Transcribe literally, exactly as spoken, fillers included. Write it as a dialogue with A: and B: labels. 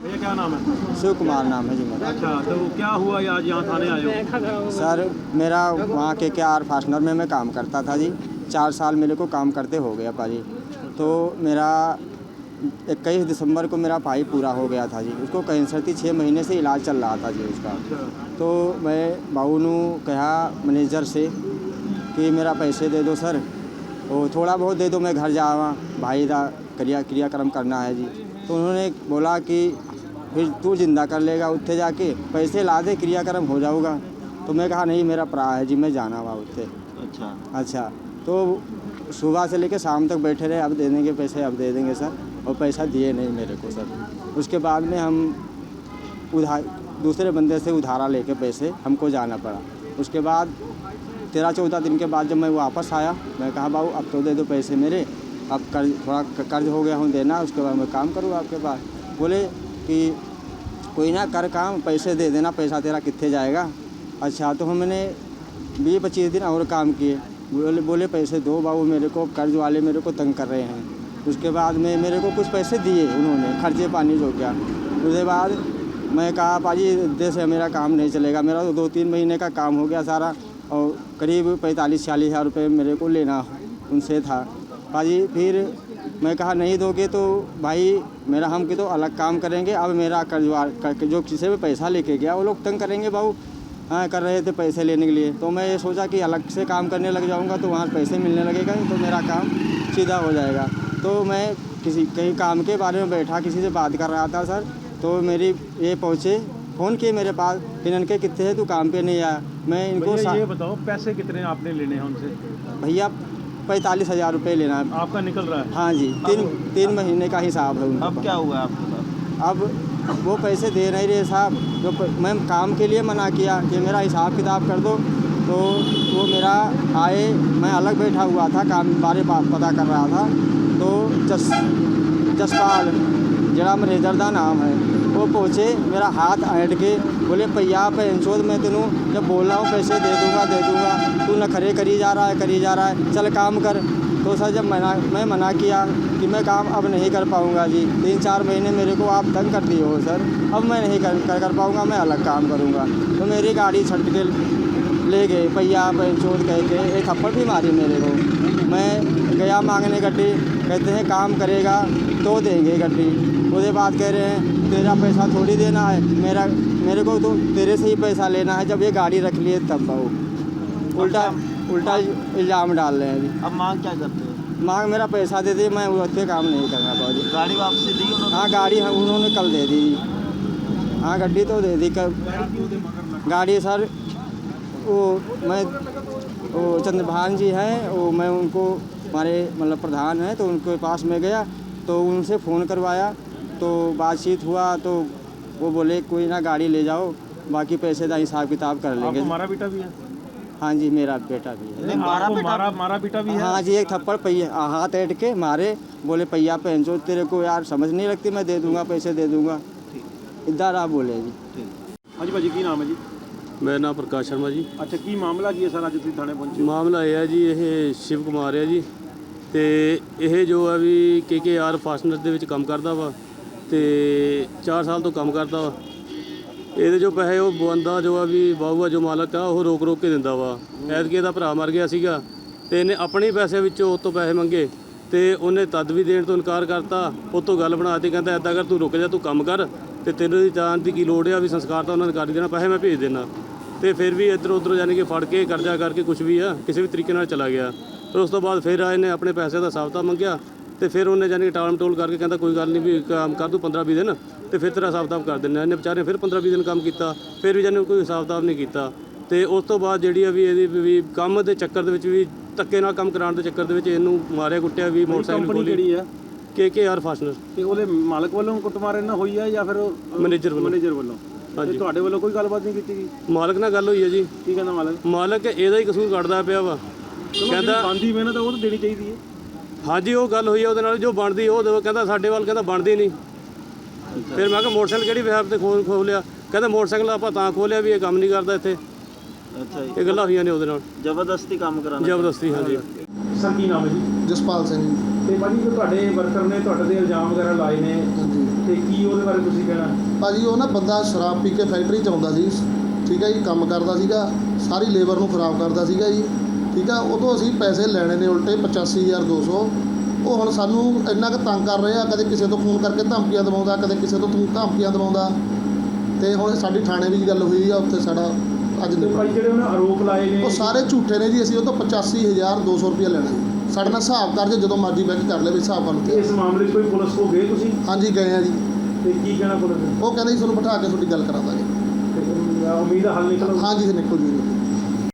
A: भैया क्या नाम है?
B: शिव कुमार नाम है जी मेरा।
A: अच्छा, तो क्या हुआ ये आज यहाँ थाने आए हो?
B: सर मेरा वहाँ के के आर फास्टनर में मैं काम करता था जी। चार साल मेरे को काम करते हो गया पाजी। तो मेरा इक्कीस दिसंबर को मेरा पाई पूरा हो गया था जी। उसको कैंसर थी, छः महीने से इलाज चल रहा था जी उसका। तो मैं बाबू नू कहा मैनेजर से कि मेरा पैसे दे दो सर, और थोड़ा बहुत दे दो, मैं घर जावा भाई दा क्रिया क्रियाक्रम करना है जी। तो उन्होंने बोला कि फिर तू जिंदा कर लेगा, उत्थे जाके पैसे ला दे, क्रियाक्रम हो जाऊगा। तो मैं कहा नहीं मेरा प्रा है जी, मैं जाना हुआ उत्थे।
A: अच्छा
B: अच्छा, तो सुबह से लेकर शाम तक बैठे रहे, अब दे देंगे पैसे, अब दे देंगे सर, और पैसा दिए नहीं मेरे को सर। उसके बाद में हम उधार दूसरे बंदे से उधारा लेके पैसे हमको जाना पड़ा। उसके बाद तेरह चौदह दिन के बाद जब मैं वापस आया, मैं कहा बाबू अब तो दे दो पैसे मेरे, अब कर्ज थोड़ा कर्ज हो गया हूँ देना, उसके बाद मैं काम करूँ आपके पास। बोले कि कोई ना कर काम, पैसे दे देना, पैसा तेरा कितने जाएगा। अच्छा, तो हमने बीस पच्चीस दिन और काम किए। बोले बोले पैसे दो बाबू मेरे को, कर्ज वाले मेरे को तंग कर रहे हैं। उसके बाद में मेरे को कुछ पैसे दिए उन्होंने, खर्चे पानी हो गया। उसके बाद मैं कहा पाजी दे से मेरा काम नहीं चलेगा, मेरा तो दो तीन महीने का काम हो गया सारा, और करीब पैंतालीस चालीस हज़ार रुपये मेरे को लेना उनसे था पाजी। फिर मैं कहा नहीं दोगे तो भाई मेरा हम कि तो अलग काम करेंगे। अब मेरा कर्जवार कर, जो किसी भी पैसा लेके गया वो लोग तंग करेंगे बाबू, हाँ कर रहे थे पैसे लेने के लिए। तो मैं ये सोचा कि अलग से काम करने लग जाऊंगा तो वहाँ पैसे मिलने लगेगा, तो मेरा काम सीधा हो जाएगा। तो मैं किसी कहीं काम के बारे में बैठा, किसी से बात कर रहा था सर, तो मेरी ये पहुँचे, फ़ोन किए मेरे पास कि ननके कितने हैं, तू काम पे नहीं आया। मैं इनको
A: ये बताओ पैसे कितने आपने लेने हैं उनसे?
B: भैया पैंतालीस हज़ार रुपये लेना है
A: आपका निकल रहा है?
B: हाँ जी, तीन तीन महीने का हिसाब है उनका।
C: अब क्या हुआ आपके साथ?
B: अब वो पैसे दे नहीं रहे साहब। जो मैं काम के लिए मना किया कि मेरा हिसाब किताब कर दो, तो वो मेरा आए, मैं अलग बैठा हुआ था, काम बारे पता कर रहा था। तो जस जसपाल जरा मैनेजर का नाम है, वो पहुँचे, मेरा हाथ ऐंठ के बोले भैया पैंचोद मैं तेनू जब बोल रहा हूँ पैसे दे दूँगा दे दूँगा, तू नखरे करी जा रहा है करी जा रहा है, चल काम कर। तो सर जब मना मैं मना किया कि मैं काम अब नहीं कर पाऊँगा जी, तीन चार महीने मेरे को आप तंग कर दिए हो सर, अब मैं नहीं कर कर, कर पाऊँगा, मैं अलग काम करूँगा। तो मेरी गाड़ी छट के ले गए, भैया पैंचोद कह के एक थप्पड़ भी मारी मेरे को। मैं गया मांगने गड्डी, कहते हैं काम करेगा तो देंगे गड्डी। उसके बाद कह रहे हैं तेरा पैसा थोड़ी देना है, मेरा मेरे को तो तेरे से ही पैसा लेना है, जब ये गाड़ी रख लिए तब वो उल्टा उल्टा इल्ज़ाम डाल रहे हैं अभी।
C: अब मांग क्या करते हो?
B: मांग मेरा पैसा दे दी, मैं उससे काम नहीं करना पाऊँगी।
C: गाड़ी वापसी दी उन्होंने?
B: हाँ गाड़ी हाँ उन्होंने कल दे दी। हाँ गड्डी तो दे दी कल। गाड़ी सर वो मैं वो चंद्रभान जी हैं, वो मैं उनको हमारे मतलब प्रधान हैं, तो उनके पास में गया तो उनसे फ़ोन करवाया, तो बातचीत हुआ। तो वो बोले कोई ना गाड़ी ले जाओ, बाकी पैसे का हिसाब किताब कर लेंगे।
A: आपको मारा बेटा भी है?
B: हाँ जी मेरा बेटा भी है।
C: नहीं, मारा
A: आपको
C: बेटा
A: मारा मारा बेटा भी है?
B: हाँ जी, एक थप्पड़ पहिया हाथ ऐंठ के मारे, बोले पहिया पहनचो तेरे को यार समझ नहीं लगती, मैं दे दूंगा पैसे दे दूंगा, इधर आप बोले जी।
A: हाँ जी भाजी की नाम है जी?
D: ਮੇਰਾ ਨਾਮ ਪ੍ਰਕਾਸ਼ ਸ਼ਰਮਾ ਜੀ।
A: अच्छा की मामला की है सर, ਅੱਜ ਤੁਸੀਂ ਥਾਣੇ ਪਹੁੰਚੇ?
D: ਮਾਮਲਾ ਇਹ ਹੈ ਜੀ, ਇਹ ਸ਼ਿਵ ਕੁਮਾਰ ਹੈ ਜੀ, ਤੇ ਇਹ ਜੋ ਆ ਵੀ ਕੇ ਕੇ ਆਰ ਫਾਸਟਨਰ ਦੇ ਵਿੱਚ ਕੰਮ ਕਰਦਾ ਵਾ, ਤੇ ਚਾਰ ਸਾਲ ਤੋਂ ਕੰਮ ਕਰਦਾ ਵਾ। ਇਹਦੇ ਜੋ ਪੈਸੇ ਉਹ ਬੰਦਾ ਜੋ ਆ ਵੀ ਬਾਹੂਆ ਜੋ ਮਾਲਕ ਆ ਉਹ ਰੋਕ ਰੋਕ ਕੇ ਦਿੰਦਾ ਵਾ। ਐਤਕੀ ਇਹਦਾ ਭਰਾ ਮਰ ਗਿਆ ਸੀਗਾ, ਤੇ ਇਹਨੇ ਆਪਣੇ ਪੈਸੇ ਵਿੱਚੋਂ ਉਹ ਤੋਂ ਪੈਸੇ ਮੰਗੇ, ਤੇ ਉਹਨੇ ਤਦ ਵੀ ਦੇਣ ਤੋਂ ਇਨਕਾਰ ਕਰਤਾ। ਉਹ ਤੋਂ ਗੱਲ ਬਣਾ ਕੇ ਕਹਿੰਦਾ ਇੱਦਾਂ ਕਰ, ਤੂੰ ਰੁਕ ਜਾ, ਤੂੰ ਕੰਮ ਕਰ, ਤੇ ਤੈਨੂੰ ਜਾਣ ਦੀ ਕੀ ਲੋੜ ਆ, ਵੀ ਸੰਸਕਾਰ ਤਾਂ ਉਹਨਾਂ ਨੇ ਕਰ ਹੀ ਦੇਣਾ, ਪੈਸੇ ਮੈਂ ਭੇਜ ਦੇਣਾ। ਤੇ ਫਿਰ ਵੀ ਇੱਧਰ ਉੱਧਰ ਯਾਨੀ ਕਿ ਫੜ ਕੇ ਕਰਜ਼ਾ ਕਰਕੇ ਕੁਛ ਵੀ ਆ ਕਿਸੇ ਵੀ ਤਰੀਕੇ ਨਾਲ ਚਲਾ ਗਿਆ। ਫਿਰ ਉਸ ਤੋਂ ਬਾਅਦ ਫਿਰ ਆਏ ਨੇ ਆਪਣੇ ਪੈਸੇ ਦਾ ਹਿਸਾਬ ਮੰਗਿਆ, ਤੇ ਫਿਰ ਉਹਨੇ ਯਾਨੀ ਕਿ ਟਾਲ ਮਟੋਲ ਕਰਕੇ ਕਹਿੰਦਾ ਕੋਈ ਗੱਲ ਨਹੀਂ ਵੀ ਕੰਮ ਕਰ ਦੂੰ ਪੰਦਰਾਂ ਵੀਹ ਦਿਨ, ਤੇ ਫਿਰ ਤੇਰਾ ਹਿਸਾਬ ਕਿਤਾਬ ਕਰ ਦਿੰਦਾ। ਇਹਨੇ ਵਿਚਾਰੇ ਫਿਰ ਪੰਦਰਾਂ ਵੀਹ ਦਿਨ ਕੰਮ ਕੀਤਾ, ਫਿਰ ਵੀ ਯਾਨੀ ਕੋਈ ਹਿਸਾਬ ਕਿਤਾਬ ਨਹੀਂ ਕੀਤਾ। ਤੇ ਉਸ ਤੋਂ ਬਾਅਦ ਜਿਹੜੀ ਆ ਵੀ ਇਹਦੀ ਵੀ ਕੰਮ ਦੇ ਚੱਕਰ ਦੇ ਵਿੱਚ ਵੀ ਧੱਕੇ ਨਾਲ ਕੰਮ ਕਰਾਉਣ ਦੇ ਚੱਕਰ ਦੇ ਵਿੱਚ ਇਹਨੂੰ ਮਾਰਿਆ ਕੁੱਟਿਆ ਵੀ। ਮੋਟਰਸਾਈਕਲ
A: ਕੰਪਨੀ ਕਿਹੜੀ ਹੈ?
D: K K R fastener.
A: ਤੇ ਉਹਦੇ ਮਾਲਕ ਵੱਲੋਂ ਕੁੱਟਮਾਰ ਇਹਨਾਂ ਹੋਈ ਹੈ ਜਾਂ ਫਿਰ
D: ਮੈਨੇਜਰ ਵੱਲੋਂ?
A: ਮੈਨੇਜਰ ਵੱਲੋਂ।
D: ਹਾਂਜੀ।
A: ਤੁਹਾਡੇ ਵੱਲੋਂ ਕੋਈ ਗੱਲਬਾਤ ਨਹੀਂ ਕੀਤੀ ਗਈ?
D: ਮਾਲਕ ਨਾਲ ਗੱਲ ਹੋਈ ਹੈ ਜੀ।
A: ਕੀ ਕਹਿੰਦਾ ਮਾਲਕ?
D: ਮਾਲਕ ਇਹਦਾ ਹੀ ਕਸੂਰ ਕੱਢਦਾ ਪਿਆ ਵਾ,
A: ਕਹਿੰਦਾ ਬਣਦੀ ਮਿਹਨਤ ਉਹ ਤਾਂ ਦੇਣੀ ਚਾਹੀਦੀ ਹੈ।
D: ਹਾਂਜੀ ਉਹ ਗੱਲ ਹੋਈ ਆ ਉਹਦੇ ਨਾਲ, ਜੋ ਬਣਦੀ ਉਹ ਦੇਵੋ, ਕਹਿੰਦਾ ਸਾਡੇ ਵੱਲ ਕਹਿੰਦਾ ਬਣਦੀ ਨਹੀਂ। ਫਿਰ ਮੈਂ ਕਿਹਾ ਮੋਟਰਸਾਈਕਲ ਕਿਹੜੀ ਵਿਹਾਰ ਤੇ ਖੋਲ ਖੋਲਿਆ, ਕਹਿੰਦਾ ਮੋਟਰਸਾਈਕਲ ਆਪਾਂ ਤਾਂ ਖੋਲਿਆ ਵੀ ਇਹ ਕੰਮ ਨਹੀਂ ਕਰਦਾ ਇੱਥੇ।
C: ਅੱਛਾ ਜੀ,
D: ਇਹ ਗੱਲਾਂ ਹੋਈਆਂ ਨੇ ਉਹਦੇ ਨਾਲ,
C: ਜ਼ਬਰਦਸਤੀ ਕੰਮ ਕਰਾਉਣਾ?
D: ਜ਼ਬਰਦਸਤੀ। ਹਾਂਜੀ
A: ਸਰ ਕੀ ਨਾਮ ਹੈ ਜੀ?
E: ਜਸਪਾਲ ਸਿੰਘ।
A: ਤੇ ਭਾਜੀ ਜੋ ਤੁਹਾਡੇ ਵਰਕਰ ਨੇ ਤੁਹਾਡੇ ਤੇ ਇਲਜ਼ਾਮ ਵਗੈਰਾ ਲਾਏ ਨੇ
E: ਹਾਂਜੀ
A: ਤੇ ਕੀ ਉਹਦੇ ਬਾਰੇ ਤੁਸੀਂ ਕਹਿਣਾ?
E: ਭਾਜੀ ਉਹ ਨਾ ਬੰਦਾ ਸ਼ਰਾਬ ਪੀ ਕੇ ਫੈਕਟਰੀ 'ਚ ਆਉਂਦਾ ਸੀ, ਠੀਕ ਹੈ ਜੀ, ਕੰਮ ਕਰਦਾ ਸੀਗਾ, ਸਾਰੀ ਲੇਬਰ ਨੂੰ ਖਰਾਬ ਕਰਦਾ ਸੀਗਾ ਜੀ, ਠੀਕ ਆ। ਉਹ ਤੋਂ ਅਸੀਂ ਪੈਸੇ ਲੈਣੇ ਨੇ ਉਲਟੇ ਪਚਾਸੀ ਹਜ਼ਾਰ ਦੋ ਸੌ। ਉਹ ਹੁਣ ਸਾਨੂੰ ਇੰਨਾ ਕੁ ਤੰਗ ਕਰ ਰਹੇ ਆ, ਕਦੇ ਕਿਸੇ ਤੋਂ ਫੋਨ ਕਰਕੇ ਧਮਕੀਆਂ ਦਵਾਉਂਦਾ, ਕਦੇ ਕਿਸੇ ਤੋਂ ਧਮ- ਧਮਕੀਆਂ ਦਵਾਉਂਦਾ। ਤੇ ਹੁਣ ਸਾਡੀ ਥਾਣੇ ਵੀ ਗੱਲ ਹੋਈ ਆ, ਉੱਥੇ ਸਾਡਾ ਅੱਜ
A: ਤੇ
E: ਨਿਬੜ
A: ਭਾਈ ਜਿਹੜੇ ਉਹਨੇ ਆਰੋਪ ਲਾਏ ਨੇ
E: ਉਹ ਸਾਰੇ ਝੂਠੇ ਨੇ ਜੀ। ਅਸੀਂ ਉਹ ਤੋਂ ਪਚਾਸੀ ਹਜ਼ਾਰ ਦੋ ਸੌ ਰੁਪਇਆ ਲੈਣਾ ਜੀ। ਸਾਡੇ ਨਾਲ ਹਿਸਾਬ ਕਰ ਜੇ ਜਦੋਂ ਮਰਜ਼ੀ ਬਹਿ ਕੇ ਕਰ ਲੈ ਵੀ ਹਿਸਾਬ ਬਣ ਕੇ।
A: ਇਸ ਮਾਮਲੇ 'ਚ ਕੋਈ ਪੁਲਿਸ ਕੋ ਗਏ ਤੁਸੀਂ?
E: ਹਾਂਜੀ ਗਏ ਆ ਜੀ।
A: ਤੇ ਕੀ ਕਹਿਣਾ ਪੁਲਿਸ ਨੇ?
E: ਉਹ ਕਹਿੰਦੇ ਜੀ ਤੁਹਾਨੂੰ ਬਿਠਾ ਕੇ ਤੁਹਾਡੀ ਗੱਲ ਕਰਾ ਦਾਂਗੇ।
A: ਤੇ ਉਮੀਦ ਹੈ ਹੱਲ ਨਿਕਲੂ।
E: ਹਾਂਜੀ ਨਿਕਲ ਜੀ।